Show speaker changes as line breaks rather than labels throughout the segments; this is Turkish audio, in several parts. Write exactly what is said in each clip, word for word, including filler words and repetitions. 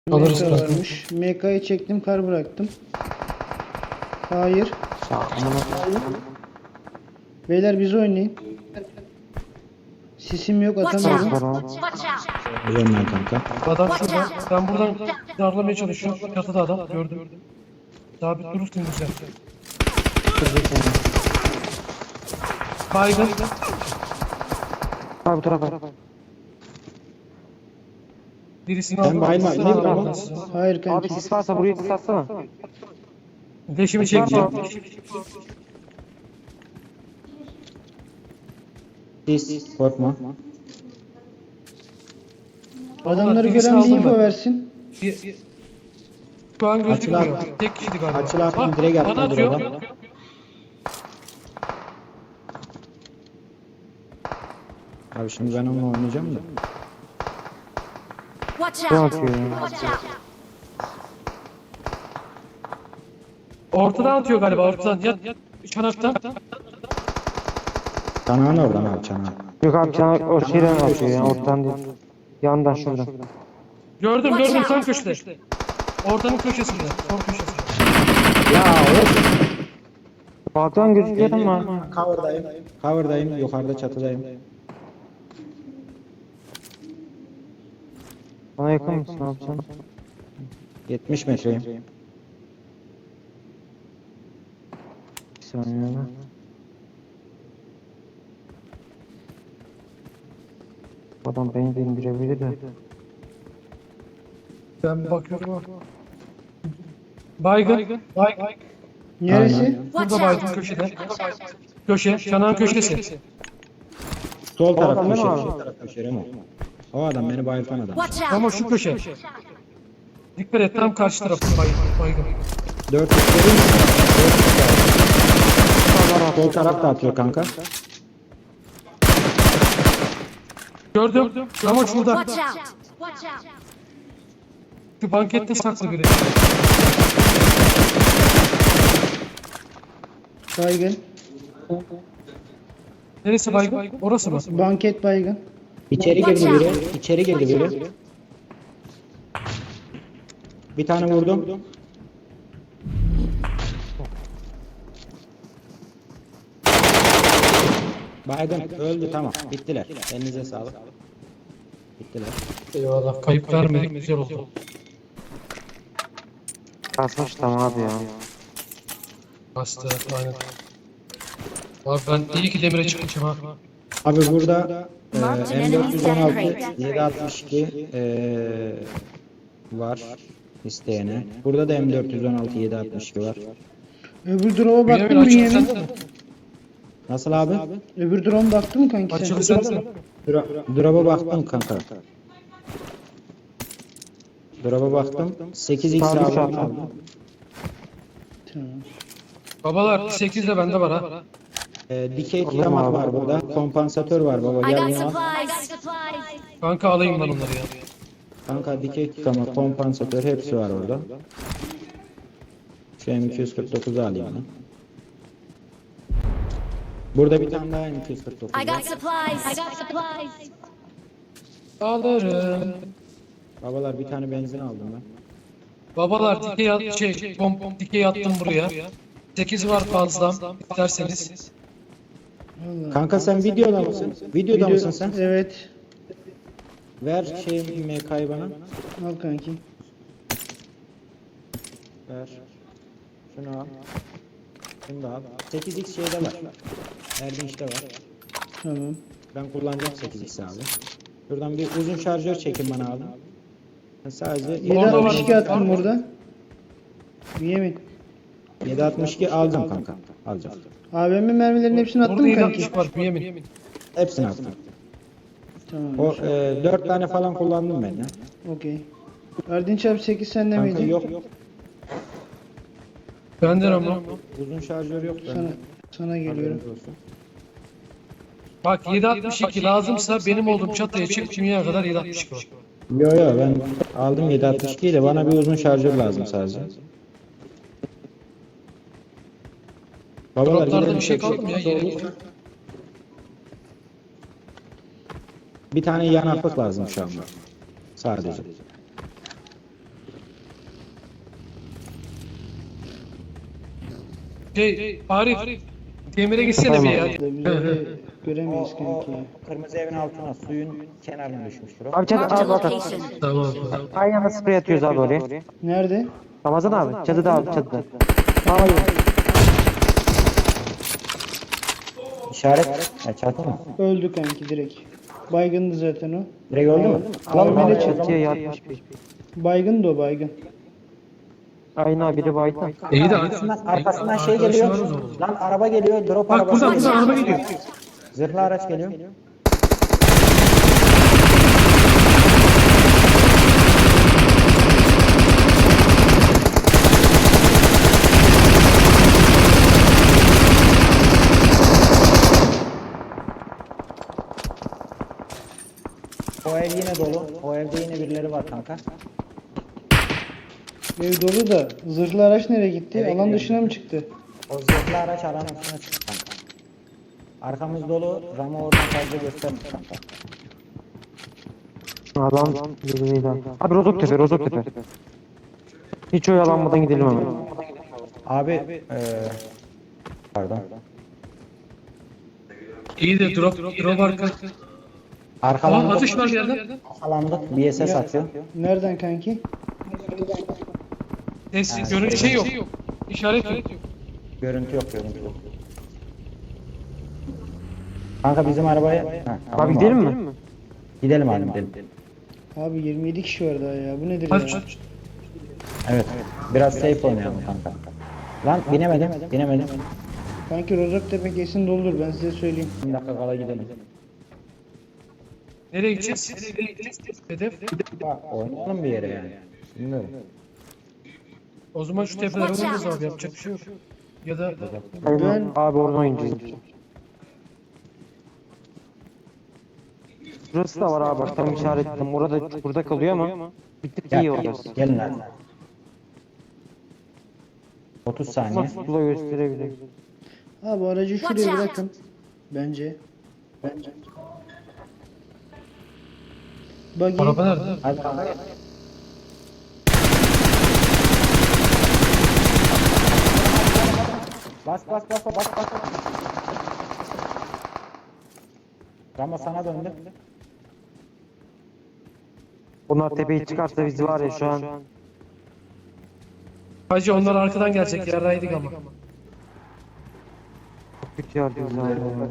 Alırız
M K
kanka.
varmış. M K'yı çektim, kar bıraktım. Hayır. Beyler biz oynayın. Sisim yok,
Watch
atamıyorum.
out! Watch out!
Biliyorum ben kanka.
Adam şurada. Ben buradan darlamaya çalışıyorum. Çatıda adam. Gördüm. Sabit durursun güzel. Baygın.
Abi bu tarafa.
Birisini
Ben
aldım.
bayma-
Birisini
ne
aldım.
yapalım?
Hayır
Abi
kanki.
sis varsa buraya sis atsana.
Leşimi çekeceğim.
Siz korkma.
Adamları
Birisini
gören bir
aldım
info
ben.
versin.
Bir- bir- Şu an gözükmüyor.
Açılar-
Tek kişiydi galiba.
Açılar
Bak,
direkt
bana
atladı
atıyor.
oradan. Abi şimdi ben onunla oynayacağım da.
Watch
Ne
out!
atıyor ya?
Watch out!
Ortadan atıyor galiba. Ortadan. Ya, çanaktan.
Çanağın oradan abi çanağın.
Yok abi çanak o şeyden atıyor ya ortadan değil. Yandan şuradan.
Gördüm gördüm tam köşede. Ortanın köşesinde. Son köşesinde.
Ya
Balkan gözüküyor ama.
Cover'dayım. Cover'dayım. Yukarıda çatıdayım.
Bana yakın mısın abi sen?
yetmiş metreyim.
Bir saniye abi. Adam beni de indirebilir de.
Ben bakıyorum. ama. Baygın. Baygın.
Neresi?
Watch
Burada baygın
out!
köşede. Köşe. Çanağın köşesi.
Sol taraf
adam
köşe.
değil mi
Sol
abi?
taraf köşe Remo. O adam beni bayıltan adam.
Watch out!
Ama şu köşe. Dikkat et tam karşı tarafı baygın. baygın.
dört üç vereyim mi? Sol taraf da atıyor kanka.
Gördüm. Ama şurada.
Watch out! Watch out!
Şu bankette saklı biri.
Baygın.
Neresi baygın? Orası mı?
Banket baygın.
İçeri girdi biri. İçeri girdi biri. Bir tane vurdum. Baygın öldü tamam. Bittiler. Elinize sağlık. Bittiler.
Eyvallah. Kayıp vermedik. Güzel oldu.
Kasmış tamam abi ya.
Bastı. Aynen. Abi ben iyi ki demire çıkmışım ha.
Abi burada e, M dört yüz on altı yedi altmış iki e, var isteyene. Burada da M dört yüz on altı yedi altmış iki var.
Öbür drone'a baktın
Bünyamin
mı
açıl
Bünyamin?
sen de.
Nasıl abi?
Öbür drone baktın mı kanki sen?
Açıl sen de.
Dura, drop'a baktım kanka. Drop'a baktım. sekiz x
Sabit
aldım.
sabit.
Tamam.
Babalar sekiz de bende var ha.
E, dikey tutamak var burada. Kompansatör var baba
I
gel
got
bunu al.
supplies!
Kanka alayım ben onları ya.
Kanka dikey tutamak, kompansatör hepsi var orada. Şu M iki yüz kırk dokuzu alayım ben. Burada bir tane daha M iki yüz kırk dokuz
I
var.
got supplies! I got supplies!
Alırım.
Babalar bir tane benzin aldım ben.
Babalar dikey at, şey, bom, dikey attım buraya. sekiz var fazla. İsterseniz.
Vallahi.
Kanka sen videoda mısın? Videoda
Video-
mısın sen?
Evet.
Ver şey M K'yı bana.
Al kanki.
Ver. Şunu al. Şunu da al. sekiz x şeyde var. Erdinç'te var.
Tamam.
Ben kullanacağım sekiz x abi. Şuradan bir uzun şarjör çekin bana abi. Ben sadece
yedi
Orada
altmış
var.
iki attım burada. Bünyamin.
yedi altmış iki alacağım kanka. Alacağım.
A V M mermilerin hepsini attın
Orada
mı
yedi
kanki?
altmış var Bünyamin.
Hepsini attım.
Tamam.
O e, dört tane falan kullandım ben ya.
Okey. Erdinç abi sekiz sende
Kanka
miydi?
yok yok.
Benden ama.
Uzun şarjör yok
Sana,
bende.
sana geliyorum.
Haberiniz olsun.
Bak yedi altmış iki lazımsa benim olduğum çatıya çık dünyaya kadar yedi altmış iki var.
Yo yo ben aldım yedi altmış ikiyi de bana bir uzun şarjör lazım sadece. Babalar
Droplarda
gidelim.
bir şey kaldı mı ya? Yere
Bir tane yanaklık lazım şu anda. Sadece.
Şey Arif. Demir'e gitsene bir ya.
Biz öyle göremeyiz
O, o
kanki ya.
kırmızı evin altına suyun kenarına düşmüştür o.
Abi çadı
Marked a
abi bak.
location.
Tamam.
Aynı anda sprey atıyoruz abi oraya.
Nerede?
Ramazan abi çadıda abi çadıda. Abi
İşaret. Ya çatı mı?
Öldü kanki direkt. Baygındı zaten o.
Direkt öldü mü?
Alalım
Tamam,
hele
o zaman-
çatıya yatmış bir.
Baygındı o baygın.
Aynen abi biri baydı.
İyi de
Arkasından, arkasından şey
arkadaşı
geliyor.
var o zaman.
Lan araba geliyor. Drop
Bak
arabası
buradan
geliyor.
buradan araba gidiyor.
Zırhlı araç geliyor. O ev yine dolu. O evde yine birileri var kanka.
Ev dolu da zırhlı araç nereye gitti?
Eve
Alan
gidiyor.
dışına mı çıktı?
O zırhlı araç alanın dışına çıktı kanka. Arkamız dolu. Ramo oradan fazla göstermiş kanka.
Adam birbiriydi abi. Abi Rozoktepe Rozoktepe. Hiç oyalanmadan gidelim hemen.
Abi eee pardon.
İyi de drop drop arka. Aa
Arkalandık.
atış var bir yerden.
Arkalandık. B S S atıyor.
Nereden kanki?
Ses görünce şey yok. İşaret yok.
Görüntü yok, görüntü yok. Kanka bizim arabaya... Ha, tamam
Abi gidelim mi?
Gidelim abi gidelim.
Abi yirmi yedi kişi var daha ya. Bu nedir
Hadi
ya?
Evet. Biraz safe oynayalım kanka. Lan binemedim, binemedim.
Kanki Rozoktepe kesin doldur ben size söyleyeyim.
Bir dakika kala gidelim.
Nereye gideceğiz? Nereye gideceğiz? Hedef.
Oynayalım bir yere yani. Bilmiyorum.
O zaman şu tepelere vururuz abi yapacak bir şey yok. Ya da
Aynen. Abi oradan oynayacağız. Burası da var abi bak tam işaretledim. Orada çukurda kalıyor ama bir tık iyi orası.
Gelin hadi. otuz saniye.
Nasıl tula gösterebilir.
Abi aracı
Watch
şuraya
out.
bırakın. Bence. Bence. Buggy.
araba nerede?
Hadi kanka. Bas bas bas bas bas bas. Ramo sana döndü.
Bunlar tepeyi çıkarsa biz var ya şu an.
Hacı onlar arkadan gelecek yerdaydık ama.
Kötü yardımcı abi.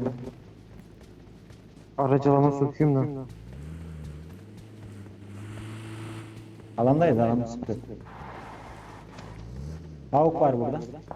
Aracılama sokayım da.
Alandayız alanda sıkıntı. Tavuk var burada.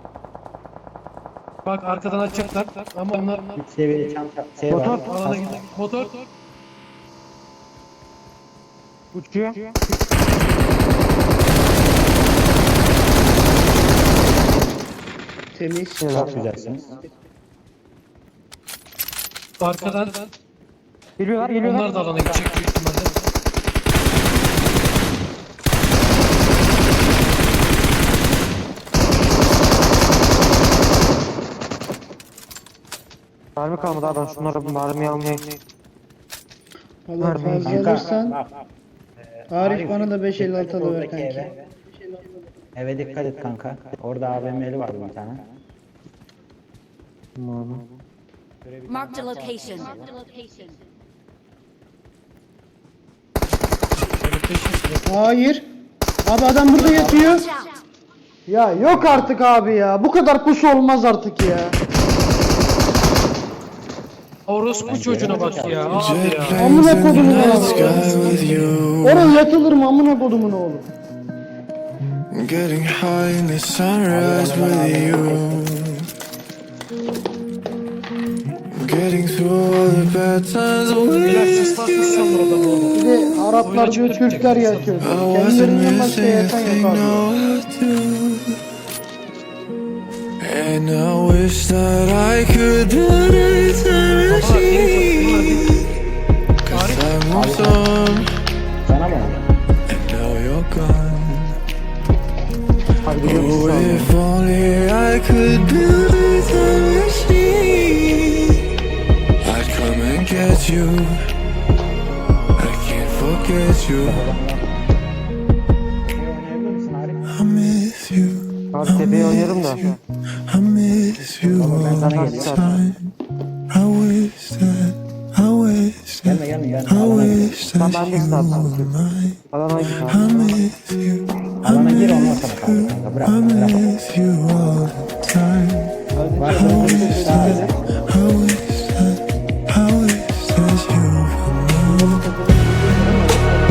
Bak arkadan açacaklar ama onlar
Üç seviyeli çanta şey
Motor.
var.
alana gidiyor. Motor.
Uçuyor.
Temiz.
Çok güzelsiniz.
Arkadan
Geliyorlar geliyorlar.
onlar da alana gidecek büyük ihtimalle.
Mermi kalmadı abi ben şunlara bir mermi almayayım.
Allah
Harbi.
fazla
Kanka,
alırsan.
bak,
Arif bana da beş elli altı
dikkat et
alıver
oradaki
kanki.
eve. Eve dikkat et kanka. Orada A V M'li var bir tane.
Tamam.
Marked a location.
Hayır. Abi adam burada yatıyor.
Watch out.
Ya yok artık abi ya. Bu kadar pusu olmaz artık ya.
Orospu çocuğuna bak ya. Abi ya.
Amına kodumun oğlu. Oraya yatılır mı amına kodumun oğlu?
Getting high in the sunrise with you. Getting through all the bad times
Beyler
with
sis varsa sanır adamı oğlum.
Bir de Araplar diyor Türkler yatıyor.
I wasn't
Kendilerinden başka
missing a
yatan
thing,
yok abi.
no I do. And I wish that I could build a time machine. Cause I moved on
Sana mı oldu?
and now you're gone.
Hadi gidiyoruz
Oh,
abi.
if only I could build a time machine, I'd come and get you. I can't forget you.
Oynayabilir misin Arif?
I miss you.
Abi tepeye oynarım da.
I I miss you all the time. I wish that, I wish that,
Gelme gelme
I
gelme.
wish that
Ben de
you
sağ
were mine.
Alana git
I
abi.
miss you, I
Alana gir ondan
miss
sonra
you,
kaldır kanka. Bırak
I
bırak.
miss you all the time.
Var mı?
I wish that, I wish that you were mine.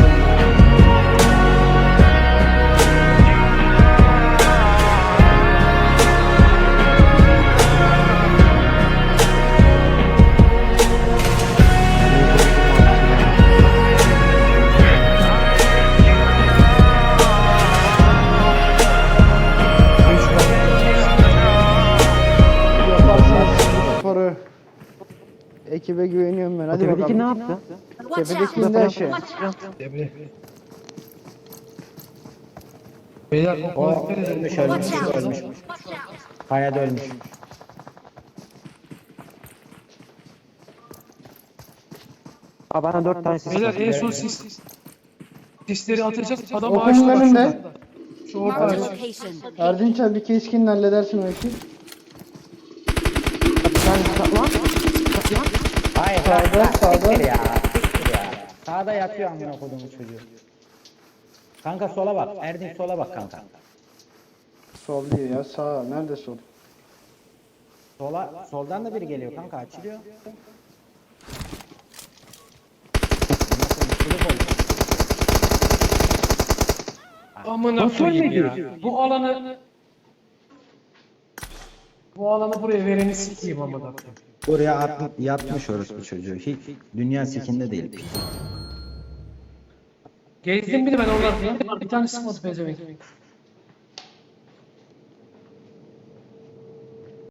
Yaparsınız bu sporu. Ekibe güveniyorum ben. Hadi
Tepedeki ne
bakalım.
yaptı?
Watch out!
Tepedeki indi aşağı.
Debre. Beyler
O
okula dikkat edin.
ölmüş
Okula
ölmüş
dikkat edin.
ölmüş. Kayada ölmüş.
Abi bana dört tane sis
Beyler
var.
en son sis. Sisleri atacağız. Adam
Okulun
ağaçta bak
önünde.
şurada. Şu orta
Marked a
ağaç.
location.
Erdinç abi bir keskinle halledersin o işi.
Hayır
Sağda,
sağda
sağda.
sağda. Ya, siktir ya. Sağda yatıyor amına kodumun çocuğu. Kanka sola bak. Erdin sola bak kanka.
Sol değil ya sağ. Nerede sol?
Sola soldan da biri geliyor kanka açılıyor.
Amına koyayım ya. Bu alanı bu alanı buraya vereni sikeyim amına koyayım.
Oraya at, yatmış orospu çocuğu. Hiç dünya sikinde değil.
Gezdim bir de ben oradan. Bir tane sıkmadı pezevenk.